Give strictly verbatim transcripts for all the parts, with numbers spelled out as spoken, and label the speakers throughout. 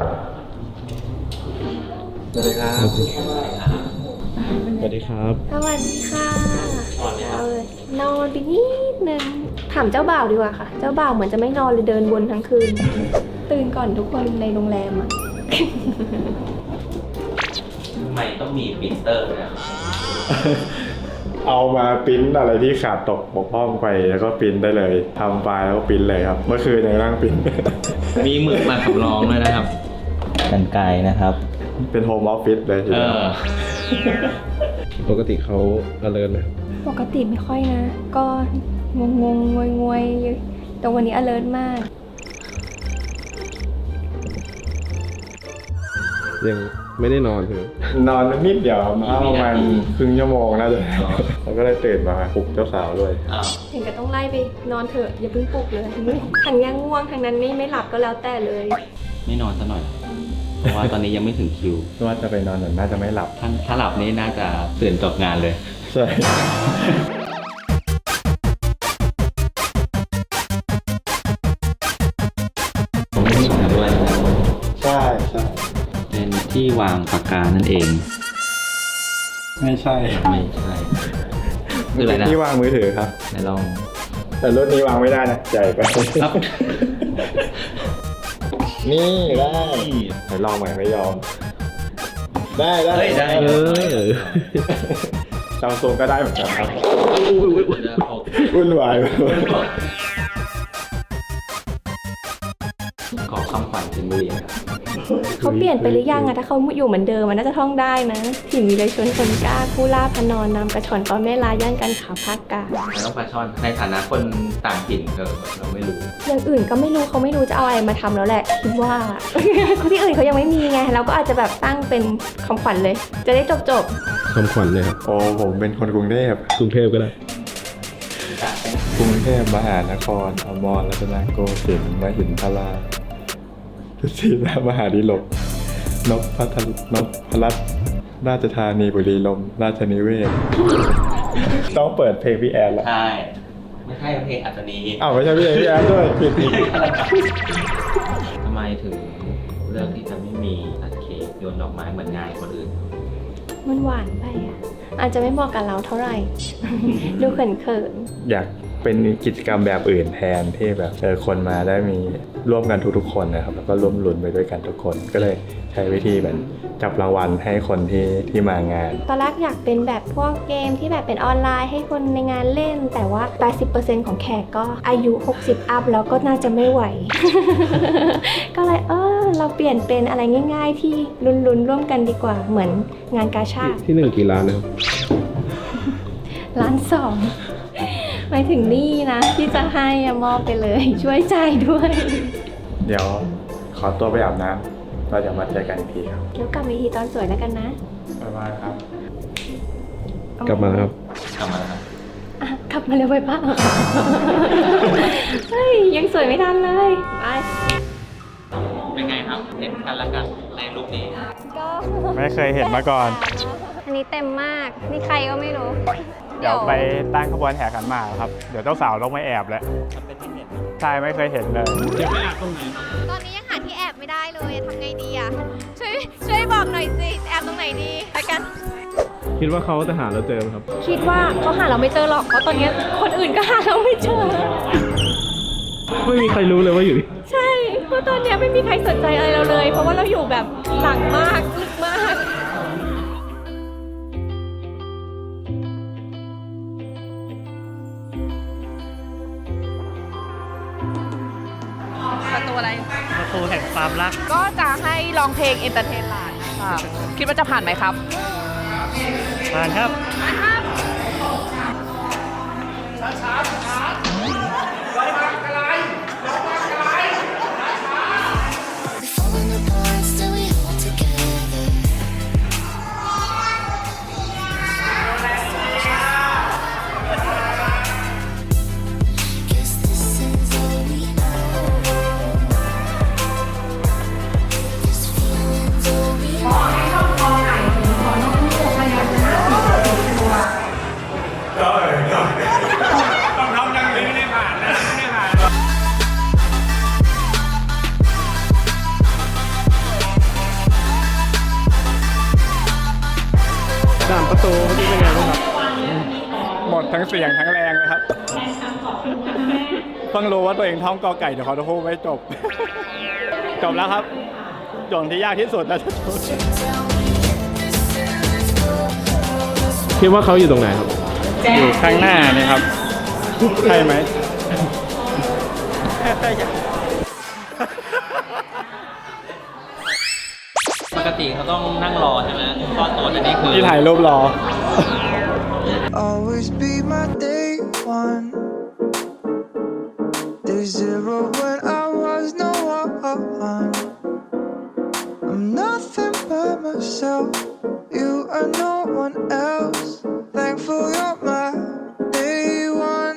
Speaker 1: สวัสดีครับ
Speaker 2: สวัสดีครับ
Speaker 3: สวัสดีค่ะเอาเลยนอนไปนิดนึงถามเจ้าบ่าวดีกว่าค่ะ เจ้าบ่าวเหมือนจะไม่นอนเลยเดินวนทั้งคืน ตื่นก่อนทุกคนในโรงแรมอะ
Speaker 4: ทำไมต้องมีปรินเตอร์เนี่ย
Speaker 1: เอามาปริ้นอะไรที่ขาดตกบกพร่องไปแล้วก็ปริ้นได้เลยทำไฟล์แล้วก็ปริ้นเลยครับเมื่อคืนยังนั่งปริ้น
Speaker 4: มีหมึกมาสำรองด้วยนะครับกันไกลนะครับ
Speaker 1: เป็นโฮมออฟฟิศเลยที
Speaker 4: เอ
Speaker 1: เดียว
Speaker 4: อ
Speaker 2: ปกติเขา alert ไหม
Speaker 3: ปกติไม่ค่อยนะ ก็งงงงวยงวยแต่วันนี้ alert มาก
Speaker 2: ยังไม่ได้นอนใช่ไหม
Speaker 1: นอนนิดเดียวประมาณครึ่งชั่วโมงน่าจะแล้วก็เลยตื่นมาปลุกเจ้าสาวด้วย
Speaker 4: อ้าว
Speaker 3: ถึงก็ต้องไล่ไปนอนเถอะอย่าเพิ่งปลุกเลยทางยังง่วงทางนั้นไม่ไม่หลับก็แล้วแต่เลย
Speaker 4: ไม่นอนซะหน่อย เพราะว่าตอนนี้ยังไม่ถึงคิว
Speaker 1: ว่าจะไปนอนหน่อยน่าจะไม่หลับ
Speaker 4: ถ้าถ้าหลับนี่น่าจะตื่นจบงานเลย
Speaker 1: ใช่
Speaker 4: ผมไม่มีหาด้วยนะครับ
Speaker 1: ใช่ใช่
Speaker 4: เป็นที่วางปากกานั่นเอง
Speaker 1: ไม่ใช่
Speaker 4: ไม่ใช่คืออะไรนะ
Speaker 1: ที่วางมือถือครับ
Speaker 4: ไหนลอง
Speaker 1: แต่รุ่นนี้วางไม่ได้นะใหญ่ไป
Speaker 4: ครับ
Speaker 1: นี่ได้ไหนลองใหม่ไม่ยอม ได้ได้
Speaker 4: เฮ้ยได้
Speaker 2: เออ
Speaker 1: ซัมซุงก็ได้เหมือนกันครับ
Speaker 4: อุ้ยอุ้ยอุ้ย
Speaker 1: วุ่นวาย
Speaker 4: ขอคำขวัญถึงบุรีนะครับ
Speaker 3: เขาเปลี่ยนไปหรือยังอะถ้าเขาอยู่เหมือนเดิมมันน่าจะท่องได้นะถิ่นวิไลชนคนกล้าผู้ล่าพนอนนำกระชอนตอนแม่ลาย่านกันขาภาคกลาง
Speaker 4: ไม่ต้องปลาช่อนในฐานะคนต่างถิ่นก็เราไม่รู้
Speaker 3: อย่างอื่นก็ไม่รู้เขาไม่รู้จะเอาอะไรมาทำแล้วแหละคิดว่า ที่อื่นเขายังไม่มีไงเราก็อาจจะแบบตั้งเป็นคำขวัญเลย จะได้จบจบ
Speaker 2: คำขวัญเลยครับ
Speaker 1: โอ้ผมเป็นคนกรุงเทพ
Speaker 2: กรุงเทพก็ได้
Speaker 1: กรุงเทพมหานครอมรรัตนโกสินทร์มหินทราทุศีนามหาดิลกนพพัทรนพพรัตน์ราชธานีบุรีลมย์ราชนิเวศน์ต้องเปิดเพลงพี่แอนละ
Speaker 4: ใช่ ไม่ใช่เพลงอัศนี
Speaker 1: อ้าวไม่ใช่พี่แอนพี่แอนด้วยผิดอีก
Speaker 4: ทำไมถึงเลือกที่จะไม่มีตัดเค้กโยนดอกไม้เหมือนงานคนอื่น
Speaker 3: ๆมันหวานไปอะอาจจะไม่เหมาะกับเราเท่าไหร่ ดูเขิน
Speaker 1: อยากเป็นกิจกรรมแบบอื่นแทนที่แบบเออคนมาได้มีร่วมกันทุกๆคนนะครับแล้วก็ร่วมลุ้นไปด้วยกันทุกคนก็เลยใช้วิธีแบบจับรางวัลให้คนที่ที่มางาน
Speaker 3: ๆตอนแรกอยากเป็นแบบพวกเกมที่แบบเป็นออนไลน์ให้คนในงานเล่น แต่ว่า แปดสิบเปอร์เซ็นต์ ของแขกก็อายุ หกสิบ อัพแล้วก็น่าจะไม่ไหว ก็เลยเออเราเปลี่ยนเป็นอะไรง่าย ๆ ที่ลุ้นๆร่วมกันดีกว่าเหมือนงานกาชาด
Speaker 2: ที่หนึ่งกี่ล้านนะครับ
Speaker 3: ล้านสองหมายถึงนี่นะ ที่จะให้อะมอบไปเลย ช่วยจ่ายด้วย
Speaker 1: เดี๋ยวขอตัวไปอาบน้ำเราจะมาเจอกันอีกทีครับ
Speaker 3: แล้วกลับมาอีกทีตอนสวยแล้วกันนะ
Speaker 1: บ๊ายบายครับ
Speaker 2: กลับมาแล้วครับ
Speaker 4: กลับมาแล้วครับ
Speaker 3: อ่ะกลับมาเร็วไปป้า เฮ้ยยังสวยไม่ทันเลยไป
Speaker 4: เป็นไงครับ เห็นกันแล้วกันในรูปนี้
Speaker 3: ก็
Speaker 1: ไม่เคยเห็นมาก่อน
Speaker 3: อันนี้เต็มมาก นี่ใครก็ไม่รู้
Speaker 1: เดี๋ยวไปตั้งขบวนแห่ขันหมากครับ เดี๋ยวเจ้าสาวต้องไม่แอบแล้วใช่ไม่เคยเห็นเลย
Speaker 5: ตอนนี้ยังหาที่แอบไม่ได้เลยทำไงดีอ่ะ ช่วยช่วยบอกหน่อยสิ แอบตรงไหนดีไปกัน
Speaker 2: คิดว่าเขาจะหาเราเจอไหมครับ
Speaker 3: คิดว่าเขาหาเราไม่เจอหรอก เพราะตอนนี้คนอื่นก็หาเราไม่เจอ
Speaker 2: ไม่มีใครรู้เลยว่าอยู่นี่
Speaker 3: ใช่ เพราะตอนนี้ไม่มีใครสนใจอะไรเราเลย เพราะว่าเราอยู่แบบหลังมากลึกมาก
Speaker 5: ประตูอะไร
Speaker 6: ประตูแห่งความรัก
Speaker 5: ก็จะให้ร้องเพลงเอนเตอร์เทนหลานค่ะ คิดว่าจะผ่านไหมครับ
Speaker 6: ผ่านครับ
Speaker 7: Falling apart, still we hold together. Guess this is all we know. This feeling's all we know.
Speaker 1: ประตูเมื่อกี้เป็นไงบ้างครับหมดทั้งเสียงทั้งแรงเลยครับเพิ่งรู้ว่าตัวเองท่องกอไก่เดี๋ยวเขาจะพูดไม่จบ จบแล้วครับโจทย์ที่ยากที่สุดแล้ว
Speaker 2: คิดว่าเขาอยู่ตรงไหนครับ
Speaker 1: อยู่ข้างหน้านี่ครับ ใช่ไหม
Speaker 4: ปกติเขาต้องนั่งรอใช่ไหมซ่อนตัวแต่นี่คือ
Speaker 1: ที่ถ่ายรูปรอ
Speaker 8: Always be my day one. Day zero when I was no one. I'm nothing but myself. You are no one else. Thankful you're my day one.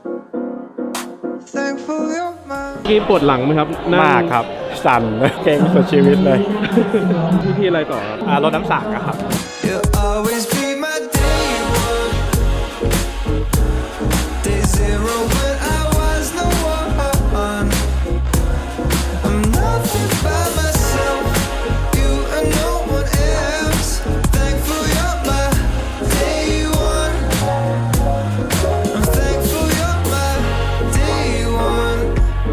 Speaker 8: Thankful you're my.
Speaker 2: กี้ปวดหลังไหมครับนั่ง
Speaker 1: มากครับ สั่นเลยเก่งสุดชีวิตเลย
Speaker 2: พี่ที่อะไรต่อครับ
Speaker 1: อ่ารถน้ำสังอะครับ
Speaker 8: You'll always be my day one. Day zero when I was no one. I'm nothing by myself. You are no one else. Thankful you're my day one. I'm thankful you're my day one.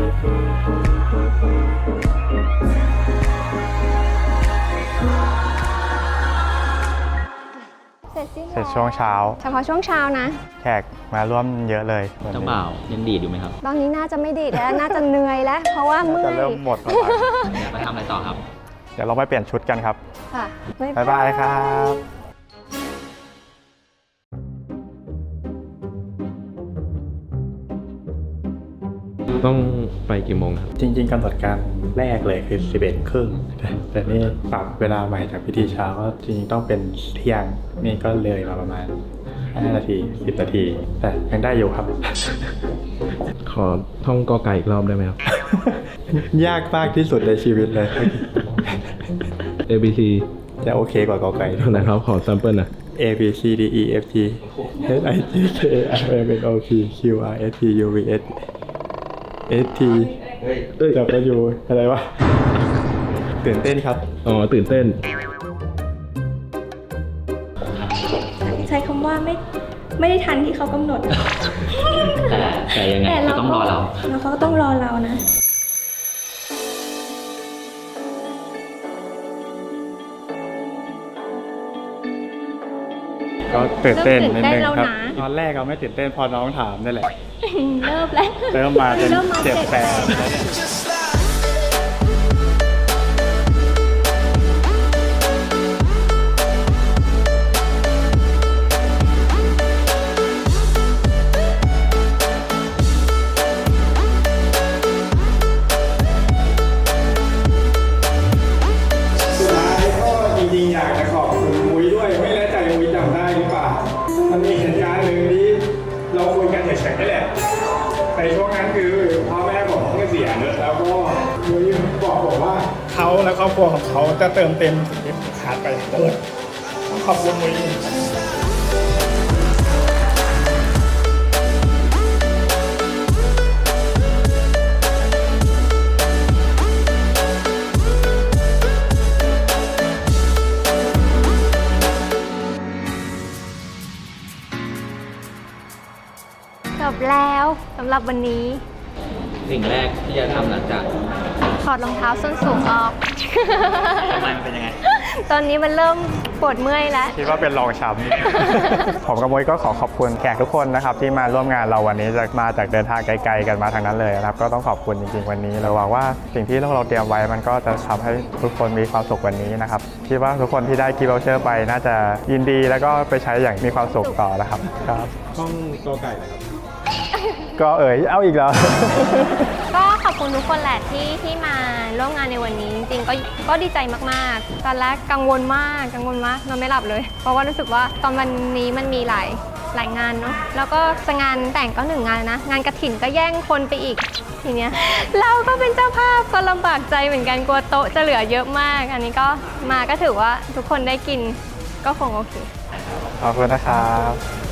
Speaker 3: เสร็จสิ้น
Speaker 9: เสร็จช่วงเช้า
Speaker 3: เฉพาะช่วงเช้านะ
Speaker 9: แขกมาร่วมเยอะเลย
Speaker 4: เจ้าบ่าวยังดีดอยู่ไหมครับ
Speaker 3: ตอนนี้น่าจะไม่ดีดแล้ว น่าจะเหนื่อยแล้ว เพราะว่าเมื่อ
Speaker 9: จะ
Speaker 3: ย
Speaker 9: เริ่มหมดแล้ว
Speaker 4: ไปทำอะไรต่อครับ
Speaker 9: เดี๋ยวเราไปเปลี่ยนชุดกันครับ
Speaker 3: ค่ะ
Speaker 9: บ๊ายบายครับ
Speaker 2: ต้องไปกี่โมงครับ
Speaker 1: จริงๆกำหนดการแรกเลยคือสิบเอ็ดครึ่งแต่นี่ปรับเวลาใหม่จากพิธีเช้าก็จริงๆต้องเป็นเที่ยงนี่ก็เลยมาประมาณห้านาทีสิบนาที แต่ยังได้อยู่ครับ
Speaker 2: ขอท่องกอไก่อีกรอบได้ไหมครับ
Speaker 1: ยากมากที่สุดในชีวิตเลย
Speaker 2: A B C
Speaker 1: จะโอเคกว่ากอไก่
Speaker 2: นะครับ ขอแซมเปิลนะ
Speaker 1: A B C D E F G H I J K L M N O P Q R S T U V S S T จับมาอยู่อะไรวะตื่นเต้นครับ
Speaker 2: อ๋อ ตื่นเต้น
Speaker 3: ใช้คำว่าไม่ไม่ได้ทันที่เขากำหนด
Speaker 4: แต่แต่ยังไง
Speaker 3: แต่
Speaker 4: เขาต้องรอเรา
Speaker 3: แล้วเขาก็ต้องรอเรานะ
Speaker 1: ก็ตื่นเต้นนิดนึง
Speaker 3: เริ่มตื่นเต้นแล้ว
Speaker 1: ครับ
Speaker 3: นะ
Speaker 1: ตอนแรกเราไม่ตื่นเต้นพอน้องถามนี่แหละ
Speaker 3: เริ่มแล้ว
Speaker 1: เริ่มมาเป็น
Speaker 3: เริ่มมา
Speaker 1: เจ็บแสบ
Speaker 8: Just like
Speaker 1: เขาและครอบครัวของเขาจะเติมเต็มสิ่งที่ขาดไปทั้งหมดขอบคุณมุ้ย
Speaker 3: จบแล้วสำหรับวันนี้
Speaker 4: สิ่งแรกที่จะทำหลังจาก
Speaker 3: ถอดรองเท้าส้นสูงออก
Speaker 4: ทำไมมันเป็นยังไง
Speaker 3: ตอนนี้มันเริ่มปวดเมื่อยแล้ว
Speaker 9: คิดว่าเป็นรองช้ำ ผมกับมวยก็ขอขอบคุณแขกทุกคนนะครับที่มาร่วมงานเราวันนี้จะมาจากเดินทางไกลๆกันมาทางนั้นเลยนะครับก็ต้องขอบคุณจริงๆวันนี้เราหวังว่าสิ่งที่เราเตรียมไว้มันก็จะทำให้ทุกคนมีความสุขวันนี้นะครับคิดว่าทุกคนที่ได้กิฟต์วอเชอร์ไปน่าจะยินดีแล้วก็ไปใช้อย่างมีความสุขต่อนะครับครับ
Speaker 2: ท่องกอไก่นะครับ
Speaker 9: ก็เอ๋ยเอาอีกแล้ว
Speaker 3: ก็ขอบคุณทุกคนแหละที่ที่มาร่วมงานในวันนี้จริงๆก็ก็ดีใจมากๆ ตอนแรกกังวลมากกังวลมากนอนไม่หลับเลย เพราะว่ารู้สึกว่าตอนวันนี้มันมีหลายหลายงานเนาะแล้วก็จะงานแต่งก็หนึ่งงานนะงานกฐินก็แย่งคนไปอีกทีเนี้ย เราก็เป็นเจ้าภาพก็ลำบากใจเหมือนกันกลัวโต๊ะจะเหลือเยอะมาก อันนี้ก็มาก็ถือว่าทุกคนได้กินก็คงโอเค
Speaker 9: ขอบคุณนะครับ